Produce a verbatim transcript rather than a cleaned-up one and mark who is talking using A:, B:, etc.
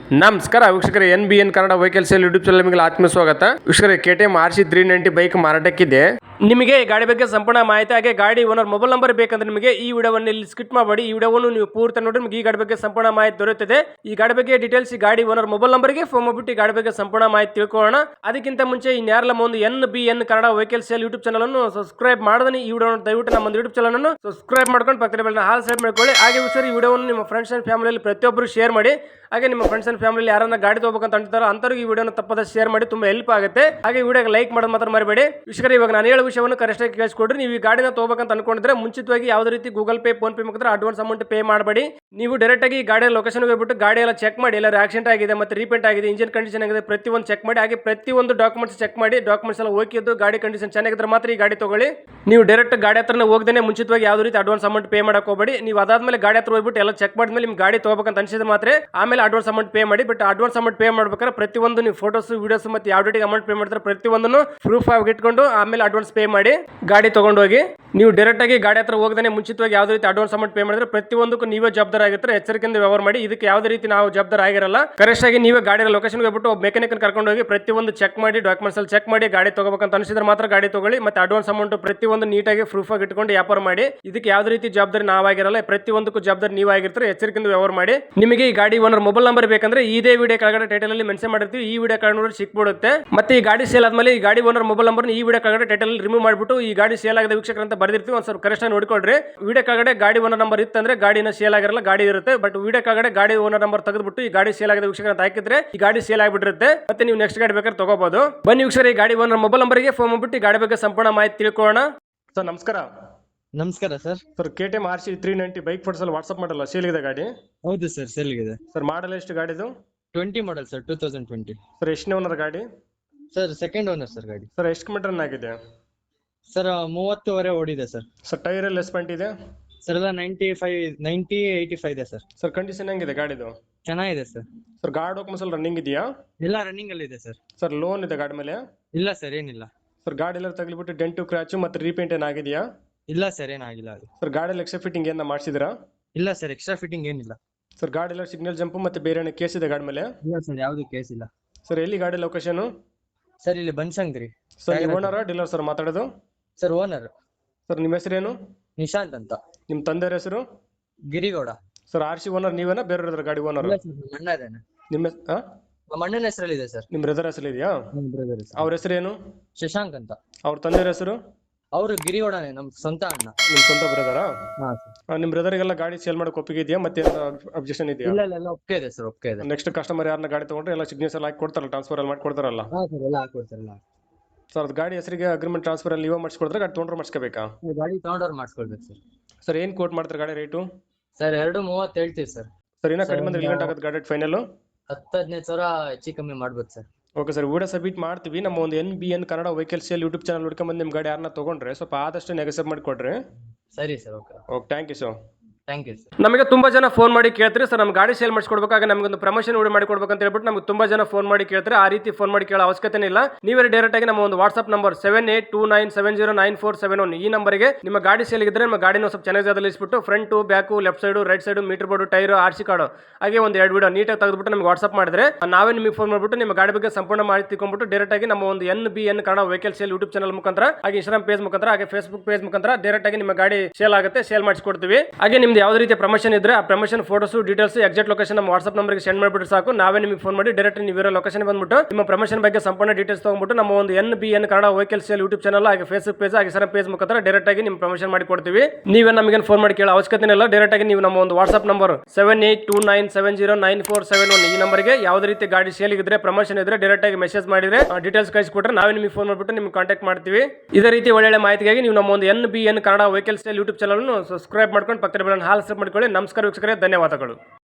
A: ನಮಸ್ಕಾರ ವೀಕ್ಷಕರೇ, N B N Kannada vehicle sale YouTube channel ನಿಮಗೆ ಆತ್ಮ ಸ್ವಾಗತ. ವೀಕ್ಷಕರೇ, K T M R C three ninety bike ಮಾರಾಟಕ್ಕಿದೆ. ನಿಮಗೆ ಈ ಗಾಡಿ ಬಗ್ಗೆ ಸಂಪೂರ್ಣ ಮಾಹಿತಿ ಹಾಗೆ ಗಾಡಿ ಓನರ್ ಮೊಬೈಲ್ ನಂಬರ್ ಬೇಕಂದ್ರೆ ನಿಮಗೆ ಈ ವಿಡಿಯೋವನ್ನು ಇಲ್ಲಿ ಸ್ಕಿಪ್ ಮಾಡಬೇಡಿ. ಈ ವಿಡಿಯೋವನ್ನು ನೀವು ಪೂರ್ತಿ ನೋಡಿ ನಿಮಗೆ ಈ ಗಾಡಿ ಬಗ್ಗೆ ಸಂಪೂರ್ಣ ಮಾಹಿತಿ ದೊರೆಯುತ್ತದೆ. ಈ ಗಾಡಿ ಬಗ್ಗೆ ಡೀಟೇಲ್ಸ್ ಈ ಗಾಡಿ ಓನರ್ ಮೊಬೈಲ್ ನಂಬರ್ಗೆ ಫೋನ್ ಮಾಡಿಬಿಟ್ಟು ಈ ಗಾಡಿ ಬಗ್ಗೆ ಸಂಪೂರ್ಣ ಮಾಹಿತಿ ತಿಳ್ಕೊಳ್ಳೋಣ. ಅದಕ್ಕಿಂತ ಮುಂಚೆ ಇನ್ಯಾರಲ್ಲ ಒಂದು N B N Kannada vehicle sale YouTube channel ಅನ್ನು ಸಬ್ಸ್ಕ್ರೈಬ್ ಮಾಡದನಿ ಈ ವಿಡಿಯೋ ದಯವಿಟ್ಟು ನಮ್ಮ ಯೂಟ್ಯೂಬ್ ಚಾನಲ್ ಅನ್ನು ಸಬ್ಸ್ಕ್ರೈಬ್ ಮಾಡ್ಕೊಂಡು ಪಕ್ಕದ ಬೆಲ್ಲ ಹಾಲ್ ಸೆಟ್ ಮಾಡ್ಕೊಳ್ಳಿ. ಹಾಗೆ ವೀಕ್ಷಕರು, ಈ ವಿಡಿಯೋವನ್ನು ನಿಮ್ಮ ಫ್ರೆಂಡ್ಸ್ ಅಂಡ್ ಫ್ಯಾಮಿಲಿಯಲ್ಲಿ ಪ್ರತಿಯೊಬ್ಬರು ಶೇರ್ ಮಾಡಿ. ಹಾಗೆ ನಿಮ್ಮ ಫ್ರೆಂಡ್ಸ್ ಅಂಡ್ ಫ್ಯಾಮಿಲಿ ಯಾರನ್ನ ಗಾಡಿ ತಗೋಬೇಕಂತ ಅಂತಾರೋ ಅಂತವ್ರಿಗೆ ಈ ವಿಡಿಯೋನ ತಪ್ಪದ ಶೇರ್ ಮಾಡಿ, ತುಂಬಾ ಹೆಲ್ಪ್ ಆಗುತ್ತೆ. ಹಾಗೆ ಈ ವಿಡಿಯೋಗೆ ಲೈಕ್ ಮಾಡೋದು ಮಾತ್ರ ಮರಿಬೇಡಿ. ವೀಕ್ಷಕರೇ, ಇವಾಗ ನಾನು ಹೇಳೋ ವಿಷಯವನ್ನು ಕರೆಕ್ಟ್ ಆಗಿ ಕೇಳಿಸ್ಕೊಡ್ರಿ. ನೀವು ಈ ಗಾಡಿನ ತಗೋಬೇಕಂತ ಅನ್ಕೊಂಡಿದ್ರೆ ಮುಂಚಿತವಾಗಿ ಯಾವುದೇ ರೀತಿ ಗೂಗಲ್ ಪೇ ಫೋನ್ ಪೇ ಮುಖಾಂತರ ಅಡ್ವಾನ್ಸ್ ಅಮೌಂಟ್ ಪೇ ಮಾಡಬೇಡಿ. ನೀವು ಡೈರೆಕ್ಟ್ ಆಗಿ ಗಾಡಿಯ ಲೊಕೇಶನ್ ಹೋಗ್ಬಿಟ್ಟು ಗಾಡಿ ಎಲ್ಲ ಚೆಕ್ ಮಾಡಿ, ಎಲ್ಲ ಆಕ್ಸಿಡೆಂಟ್ ಆಗಿದೆ ಮತ್ತೆ ರೀಪೇಂಟ್ ಆಗಿದೆ, ಇಂಜಿನ್ ಕಂಡೀಷನ್ ಆಗಿದೆ, ಪ್ರತಿಯೊಂದು ಚೆಕ್ ಮಾಡಿ. ಹಾಗೆ ಪ್ರತಿಯೊಂದು ಡಾಕ್ಯುಮೆಂಟ್ಸ್ ಚೆಕ್ ಮಾಡಿ, ಡಾಕ್ಯುಮೆಂಟ್ಸ್ ಎಲ್ಲ ಓಕೆ ಇದ್ದು ಗಾಡಿ ಕಂಡೀಷನ್ ಚೆನ್ನಾಗಿದ್ರೆ ಮಾತ್ರ ಈ ಗಾಡಿ ತಗೊಳ್ಳಿ. ನೀವು ಡೈರೆಕ್ಟ್ ಗಾಡಿ ಹತ್ರನೇ ಹೋಗದೇನೆ ಮುಂಚಿತವಾಗಿ ಯಾವುದೇ ರೀತಿ ಅಡ್ವಾನ್ಸ್ ಅಮೌಂಟ್ ಪೇ ಮಾಡಕ್ಕೆ ಹೋಗಬೇಡಿ. ನೀವು ಅದಾದ್ಮೇಲೆ ಗಾಡಿ ಹತ್ರ ಹೋಗ್ಬಿಟ್ಟು ಎಲ್ಲ ಚೆಕ್ ಮಾಡಿದ್ಮೇಲೆ ನಿಮ್ಗೆ ಗಾಡಿ ತಗೋಬೇಕಂತ ಅನ್ಸಿದ್ರೆ ಮಾತ್ರ ಆಮೇಲೆ ಅಡ್ವಾನ್ಸ್ ಅಮೌಂಟ್ ಪೇ ಮಾಡಿ. ಬಟ್ ಅಡ್ವಾನ್ಸ್ ಅಮೌಂಟ್ ಪೇ ಮಾಡ್ಬೇಕಾದ್ರೆ ಪ್ರತಿಯೊಂದು ನೀವು ಫೋಟೋಸ್ ವಿಡಿಯೋಸ್ ಮತ್ತೆ ಯಾವ ಡೇಟಿಗೆ ಅಮೌಂಟ್ ಪೇ ಮಾಡ್ತಾರೆ ಪ್ರತಿಯೊಂದನ್ನು ಪ್ರೂಫ್ ಆಗಿ ಇಟ್ಕೊಂಡು ಆಮೇಲೆ ಅಡ್ವಾನ್ಸ್ ಪೇ ಮಾಡಿ ಗಾಡಿ ತಗೊಂಡೋಗಿ. ನೀವು ಡೈರೆಕ್ಟ್ ಆಗಿ ಗಾಡಿ ಹತ್ರ ಹೋಗದೇ ಮುಂಚಿತವಾಗಿ ಯಾವುದೇ ರೀತಿ ಅಡ್ವಾನ್ಸ್ ಅಮೌಂಟ್ ಪೇ ಮಾಡಿದ್ರೆ ಪ್ರತಿಯೊಂದಕ್ಕೂ ನೀವೇ ಜವಾಬ್ದಾರ ಆಗಿರ್ತಾರೆ. ಎಚ್ಚರಿಕೆಯಿಂದ ವ್ಯವಹಾರ ಮಾಡಿ. ಇದಕ್ಕೆ ಯಾವುದೇ ರೀತಿ ನಾವು ಜವಾಬ್ದಾರ ಆಗಿರಲ್ಲ. ಕರೆಕ್ಟ್ ಆಗಿ ನೀವೇ ಗಾಡಿ ಲೊಕೇಶನ್ ಹೋಗ್ಬಿಟ್ಟು ಒಬ್ಬ ಮೆಕ್ಯಾನಿಕ್ ಕರ್ಕೊಂಡು ಹೋಗಿ ಪ್ರತಿಯೊಂದು ಚೆಕ್ ಮಾಡಿ, ಡಾಕ್ಯುಮೆಂಟ್ಸ್ ಅಲ್ಲಿ ಚೆಕ್ ಮಾಡಿ ಗಾಡಿ ತಗೋಬೇಕಂತ ಅನಿಸಿದ್ರೆ ಮಾತ್ರ ಗಾಡಿ ತಗೊಳ್ಳಿ. ಮತ್ತೆ ಅಡ್ವಾನ್ಸ್ ಅಮೌಂಟ್ ಪ್ರತಿಯೊಂದು ನೀಟಾಗಿ ಪ್ರೂಫ್ ಆಗಿ ಇಟ್ಕೊಂಡು ವ್ಯಾಪಾರ ಮಾಡಿ. ಇದಕ್ಕೆ ಯಾವುದೇ ರೀತಿ ಜವಾಬ್ದಾರಿ ನಾವಾಗಿರಲ್ಲ. ಪ್ರತಿಯೊಂದಕ್ಕೂ ಜವಾಬ್ದಾರಿ ನೀವಾಗಿರ್ತಾರೆ. ಎಚ್ಚರಿಕೆಯಿಂದ ವ್ಯವಹಾರ ಮಾಡಿ. ನಿಮಗೆ ಈ ಗಾಡಿ ಓನರ್ ಮೊಬೈಲ್ ನಂಬರ್ ಬೇಕಂದ್ರೆ ಇದೇ ವಿಡಿಯೋ ಕೆಳಗಡೆ ಟೈಟಲ್ ಅಲ್ಲಿ ಮೆನ್ಷನ್ ಮಾಡಿರ್ತೀವಿ. ಈ ವಿಡಿಯೋ ಕೆಳಗಡೆ ನೋಡಿ ಸಿಕ್ಬಿಡುತ್ತೆ. ಮತ್ತೆ ಈ ಗಾಡಿ ಸೇಲ್ ಆದ್ಮೇಲೆ ಈ ಗಾಡಿ ಓನರ್ ಮೊಬೈಲ್ ನಂಬರ್ ಈ ವಿಡಿಯೋ ಕೆಳಗಡೆ ಟೈಟಲ್ ರಿಮೂವ್ ಮಾಡಿಬಿಟ್ಟು ಈ ಗಾಡಿ ಸೇಲ್ ಆಗಿದೆ ವೀಕ್ಷಕರು ಅಂತ ಬರ್ದಿರ್ತೀವಿ. ಒಂದು ಸ್ವಲ್ಪ ಕರೆಕ್ಟ್ ಆಗಿ ನೋಡ್ಕೊಳ್ರಿ. ವಿಡಿಯೋ ಕೆಳಗಡೆ ಗಾಡಿ ಓನರ್ ನಂಬರ್ ಇತ್ತಂದ್ರೆ ಗಾಡಿನ ಸೇಲ್ ಆಗಿರಲ್ಲ, ಗಾಡಿ ಇರುತ್ತೆ. ಬಟ್ ವಿಡಿಯೋ ಕೆಳಗಡೆ ಗಾಡಿ ಓನರ್ ನಂಬರ್ ತೆಗೆದ್ಬಿಟ್ಟು ಈ ಗಾಡಿ ಸೇಲ್ ಆಗಿದೆ ವೀಕ್ಷಕರು ಅಂತ ಹಾಕಿದ್ರೆ ಈ ಗಾಡಿ ಸೇಲ್ ಆಗಿಬಿಟ್ಟಿರುತ್ತೆ. ಮತ್ತೆ ನೀವು ನೆಕ್ಸ್ಟ್ ಗಾಡಿ ಬೇಕಾದ್ರೆ ತಗೋಬಹುದು. ಬನ್ನಿ ವೀಕ್ಷಕರು, ಈ ಗಾಡಿ ಓನರ್ ಮೊಬೈಲ್ ನಂಬರ್ಗೆ ಫೋನ್ ಮಾಡ್ಬಿಟ್ಟು ಈ ಗಾಡಿ ಬಗ್ಗೆ ಸಂಪೂರ್ಣ ಮಾಹಿತಿ ತಿಳ್ಕೊಳ್ಳೋಣ. ಸರ್ ನಮಸ್ಕಾರ.
B: ನಮಸ್ಕಾರ sir.
A: Sir, K T M R C three ninety bike photos ಅಲ್ಲಿ ವಾಟ್ಸ್ಆಪ್ ಮಾಡಲ್ಲ, ಸೇಲ್ ಇದೆ ಗಾಡಿ?
B: ಹೌದು ಸರ್, ಸೇಲ್ ಇದೆ
A: ಸರ್. ಮಾಡಲ್ ಎಷ್ಟು ಗಾಡಿದು?
B: Twenty model sir, two thousand twenty.
A: Sir, ಎಷ್ಟನೇ ಓನರ್ ಗಾಡಿ?
B: ಸರ್, ಸೆಕೆಂಡ್ ಓನರ್ ಸರ್ ಗಾಡಿ.
A: ಸರ್, ಎಷ್ಟು ಕಿಲೋಮೀಟರ್ ರನ್ ಆಗಿದೆ?
B: ಸರ್, ಮೂವತ್ತುವರೆ ಓಡಿದೆ ಸರ್.
A: ಸರ್, ಟೈರ್ ಎಲ್ಲ ಎಸ್ಪೆಂಟ್ ಇದೆ?
B: ಸರ್, ಎಲ್ಲ ninety five ninety eighty five ಇದೆ ಸರ್.
A: ಸರ್, ಕಂಡೀಷನ್ ಹೆಂಗಿದೆ ಗಾಡಿದು?
B: ಚೆನ್ನಾಗಿದೆ ಸರ್.
A: ಸರ್, ಗಾಡಿ ಡಾಕ್ಯುಮೆಂಟ್ಸ್ ಎಲ್ಲ ರನ್ನಿಂಗ್ ಇದೆಯಾ?
B: ಎಲ್ಲ ರನ್ನಿಂಗ್ ಅಲ್ಲಿ ಇದೆ ಸರ್.
A: ಸರ್, ಲೋನ್ ಇದೆ ಗಾಡಿ ಮೇಲೆ?
B: ಇಲ್ಲ ಸರ್, ಏನಿಲ್ಲ.
A: ಸರ್, ಗಾಡಿ ಎಲ್ಲ ತಗ್ಲಿಬಿಟ್ಟು ಡೆಂಟು ಕ್ರಾಚು ಮತ್ತೆ ರೀಪೇಂಟ್ ಏನಾಗಿದೆಯಾ?
B: ಇಲ್ಲ ಸರ್, ಏನಾಗಿಲ್ಲ ಅದು.
A: ಸರ್, ಗಾಡಿಯಲ್ಲಿ ಎಕ್ಸ್ಟ್ರಾ ಫಿಟ್ಟಿಂಗ್ ಏನ ಮಾಡಿಸಿದ್ರಾ?
B: ಇಲ್ಲ ಸರ್, ಎಕ್ಸ್ಟ್ರಾ ಫಿಟ್ಟಿಂಗ್ ಏನಿಲ್ಲ.
A: ಸರ್, ಗಾಡಿ ಎಲ್ಲ ಸಿಗ್ನಲ್ ಜಂಪ್ ಮತ್ತೆ ಬೇರೆ ಏನೋ ಕೇಸ್ ಇದೆ ಗಾಡಿ ಮೇಲೆ?
B: ಇಲ್ಲ ಸರ್, ಯಾವ್ದು ಕೇಸ್ ಇಲ್ಲ.
A: ಸರ್, ಎಲ್ಲಿ ಗಾಡಿ ಲೊಕೇಶನ್?
B: ಸರ್, ಇಲ್ಲಿ ಬನ್ಶಂಕರಿ.
A: ಸರ್, ನೀವು ಓನರ್ ಡೀಲರ್ ಸರ್ ಮಾತಾಡೋದು?
B: Sir, owner.
A: ಸರ್, ನಿಮ್ಮ ಹೆಸರೇನು?
B: ನಿಶಾಂತ್ ಅಂತ.
A: ನಿಮ್ಮ ತಂದೆಯ ಹೆಸರು?
B: Girigowda.
A: Sir, R C owner ನೀವೇನಾ ಬೇರೆ ಗಾಡಿ ಓನರ್?
B: ಇಲ್ಲ ಸರ್, ನಮ್ಮ ಅಣ್ಣ ಇದ್ದಾನೆ.
A: ನಿಮ್ಮ
B: ನಮ್ಮ ಅಣ್ಣನ ಹೆಸರಲ್ಲಿ ಇದೆ ಸರ್.
A: ನಿಮ್ಮ ಬ್ರದರ್ ಹೆಸರು ಇದೆಯಾ?
B: ಬ್ರದರ್.
A: ಅವ್ರ ಹೆಸರೇನು?
B: ಶಶಾಂಕ್ ಅಂತ.
A: ಅವ್ರ ತಂದೆಯ ಹೆಸರು?
B: ಅವರು ಗಿರಿಗೌಡನೇ, ನಮ್ ಸ್ವಂತ ಅಣ್ಣ.
A: ನಿಮ್ ಸ್ವಂತ ಬ್ರದರಾ?
B: ಹಾ ಸರ್.
A: ನಿಮ್ ಬ್ರದರ್ಗೆಲ್ಲ ಗಾಡಿ ಸೇಲ್ ಮಾಡಕ್ಕೆ ಒಪ್ಪಿಗೆ ಇದೆಯಾ? ಮತ್ತೆ ಅಬ್ಜೆಕ್ಷನ್ ಇದೆಯಾ?
B: ಇಲ್ಲ ಇಲ್ಲ, ಒಪ್ಪಿಗೆ ಇದೆ ಸರ್, ಒಪ್ಪಿಗೆ ಇದೆ.
A: ನೆಕ್ಸ್ಟ್ ಕಸ್ಟಮರ್ ಯಾರನ್ನ ಗಾಡಿ ತಗೊಂಡ್ರೆ ಎಲ್ಲ ಸಿಗ್ನೇಚರ್ ಎಲ್ಲ ಹಾಕಿ ಕೊಡ್ತಾರಲ್ಲ, ಟ್ರಾನ್ಸ್ಫರ್ ಎಲ್ಲ ಮಾಡಿ ಕೊಡ್ತಾರಲ್ಲ?
B: ಹಾ ಸರ್, ಎಲ್ಲ ಹಾಕೊಡ್ತಾರಲ್ಲ.
A: ಸರ್, ಅದು ಗಾಡಿ ಹೆಸರಿಗೆ ಅಗ್ರಿಮೆಂಟ್ ಟ್ರಾನ್ಸ್ಫರ್ ಅಲ್ಲಿ ನೀವು ಮಾಡಿಸ್ಕೊಡ್ತಾರೆ, ಗಾಡಿ ತೊಗೊಂಡ್ರೆ ಮಾಡಿಸ್ಕೋಬೇಕಾ?
B: ಗಾಡಿ ತಗೊಂಡವ್ರು ಮಾಡಿಸ್ಕೊಳ್ಬೇಕು ಸರ್.
A: ಸರ್, ಏನ್ ಕೋಟ್ ಮಾಡ್ತಾರೆ ಗಾಡಿ ರೇಟು?
B: ಸರ್, ಎರಡು ಮೂವತ್ತು ಹೇಳ್ತೀವಿ ಸರ್.
A: ಸರ್, ಇನ್ನೂ ಕಡಿಮೆ ಅಂದ್ರೆ ರಿಲೇಟ್ ಆಗುತ್ತೆ ಗಾಡಿ ಫೈನಲ್?
B: ಹತ್ತು ಹದಿನೈದು ಸಾವಿರ ಹೆಚ್ಚು ಕಮ್ಮಿ ಮಾಡ್ಬೋದು sir.
A: Okay sir, video submit ಮಾಡ್ತೀವಿ. ನಮ್ಮ ಒಂದು N B N Kannada vehicle sale YouTube channel ಹುಡ್ಕೊಂಬಂದು ನಿಮ್ಮ ಗಾಡಿ ಯಾರನ್ನ ತಗೊಂಡ್ರೆ ಸ್ವಲ್ಪ ಆದಷ್ಟು ನೆಗೆಸಬ್ ಮಾಡಿಕೊಡ್ರಿ.
B: ಸರಿ sir, okay
A: okay, thank you sir.
B: Thank you sir.
A: ನಮಗೆ ತುಂಬಾ ಜನ ಫೋನ್ ಮಾಡಿ ಕೇಳ್ತಾರೆ, ಸರ್ ನಮ್ಮ ಗಾಡಿ ಸೇಲ್ ಮಾಡಿಸ್ಕೊಡ್ಬೇಕಾಗ ನಮಗೆ ಒಂದು ಪ್ರಮೋಷನ್ ವಿಡಿಯೋ ಮಾಡಿ ಕೊಡ್ಬೇಕು ಅಂತ ಹೇಳ್ಬಿಟ್ಟು ನಮಗೆ ತುಂಬಾ ಜನ ಫೋನ್ ಮಾಡಿ ಕೇಳ್ತಾರೆ. ಆ ರೀತಿ ಫೋನ್ ಮಾಡಿ ಕೇಳೋ ಅವಶ್ಯಕತೆ ಇಲ್ಲ. ನೀವೇ ಡೈರೆಕ್ಟ್ ಆಗಿ ನಮ್ಮ ಒಂದು WhatsApp number seven eight two nine seven zero nine four seven one ಈ ನಂಬರ್ಗೆ ನಿಮ್ಮ ಗಾಡಿ ಸೇಲ್ ಇದ್ರೆ ನಮ್ಮ ಗಾಡಿನ ಸ್ವಲ್ಪ ಚೆನ್ನಾಗಿ ಜಾಗದಲ್ಲಿ ಇಸ್ಬಿಟ್ಟು front back left side right side meter board tyre R C card ಹಾಗೆ ಒಂದು ಎರಡು ವಿಡಿಯೋ ನೀಟಾಗಿ ತೆಗೆದುಬಿಟ್ಟು ನಮಗೆ ವಾಟ್ಸ್ಆಪ್ ಮಾಡಿದ್ರೆ ನಾವೇ ನಿಮಗೆ ಫೋನ್ ಮಾಡಿಬಿಟ್ಟು ನಿಮ್ಮ ಗಾಡಿ ಬಗ್ಗೆ ಸಂಪೂರ್ಣ ಮಾಹಿತಿ ತಿಳ್ಕೊಂಡ್ಬಿಟ್ಟು ಡೈರೆಕ್ಟ್ ಆಗಿ ನಮ್ಮ ಒಂದು N B N Kannada vehicle sale YouTube channel ಮುಖಾಂತರ ಹಾಗೆ ಇನ್ಸ್ಟಾಗ್ರಾಮ್ ಪೇಜ್ ಮುಖಾಂತರ ಹಾಗೆ ಫೇಸ್ಬುಕ್ ಪೇಜ್ ಮುಖಾಂತರ ಡೈರೆಕ್ಟ್ ಆಗಿ ನಿಮ್ಮ ಗಾಡಿ ಸೇಲ್ ಆಗುತ್ತೆ, ಸೇಲ್ ಮಾಡಿಸ್ಕೊಡ್ತೀವಿ. ಹಾಗೆ ನಿಮ್ದು ಯಾವುದೇ ರೀತಿಯ ಪ್ರಮೋಷನ್ ಇದ್ರೆ ಆ promotion photos details exact location ನಮ್ಮ ವಾಟ್ಸ್ಆಪ್ ನಂಬರ್ಗೆ ಸೆಂಡ್ ಮಾಡಿಬಿಟ್ಟು ಸಾಕು. ನಾವೇ ನಿಮಗೆ ಫೋನ್ ಮಾಡಿ ಡೈರೆಕ್ಟ್ ನೀವು ಇರೋ ಲೊಕೇಶನ್ ಬಂದ್ಬಿಟ್ಟು ನಿಮ್ಮ ಪ್ರಮೋಷನ್ ಬಗ್ಗೆ ಸಂಪೂರ್ಣ ಡೀಟೇಲ್ಸ್ ತಗೊಂಡ್ಬಿಟ್ಟು ನಮ್ಮ ಒಂದು N B N Kannada vehicle sale YouTube channel ಹಾಗೆ ಫೇಸ್ಬುಕ್ ಪೇಜ್ ಹಾಗೆ ಸರ್ ಪೇಜ್ ಮುಖಾಂತರ ಡೈರೆಕ್ಟ್ ಆಗಿ ನಿಮ್ಮ ಪ್ರಮೋಷನ್ ಮಾಡಿ ಕೊಡ್ತೀವಿ. ನೀವೇ ನಮಗೆ ಫೋನ್ ಮಾಡಿ ಕೇಳೋ ಅವಶ್ಯಕತೆ ಇಲ್ಲ. ಡೈರೆಕ್ಟ್ ಆಗಿ ನೀವು ನಮ್ಮ ಒಂದು WhatsApp number seven eight two nine seven zero nine four seven one ಈ ನಂಬರ್ಗೆ ಯಾವುದೇ ರೀತಿ ಗಾಡಿ ಸೇಲ್ ಇದ್ರೆ ಪ್ರಮೋಷನ್ ಇದ್ರೆ ಡೈರೆಕ್ಟ್ ಆಗಿ ಮೆಸೇಜ್ ಮಾಡಿದ್ರೆ ಡೀಟೇಲ್ಸ್ ಕಳಿಸಿಕೊಟ್ರೆ ನಾವೇ ನಿಮಗೆ ಫೋನ್ ಮಾಡಿಬಿಟ್ಟು ನಿಮ್ಗೆ ಕಾಂಟ್ಯಾಕ್ಟ್ ಮಾಡ್ತೀವಿ. ಇದೇ ರೀತಿ ಒಳ್ಳೆ ಮಾಹಿತಿಗಾಗಿ ನೀವು ನಮ್ಮ ಒಂದು N B N Kannada vehicle sale YouTube channel subscribe ಮಾಡ್ಕೊಂಡು ಪಕ್ಕದ ಬೆಲ್ಲ ಹಾಲ್ ಸೆಟ್ ಮಾಡ್ಕೊಳ್ಳಿ. ನಮಸ್ಕಾರ ವೀಕ್ಷಕರೇ, ಧನ್ಯವಾದಗಳು.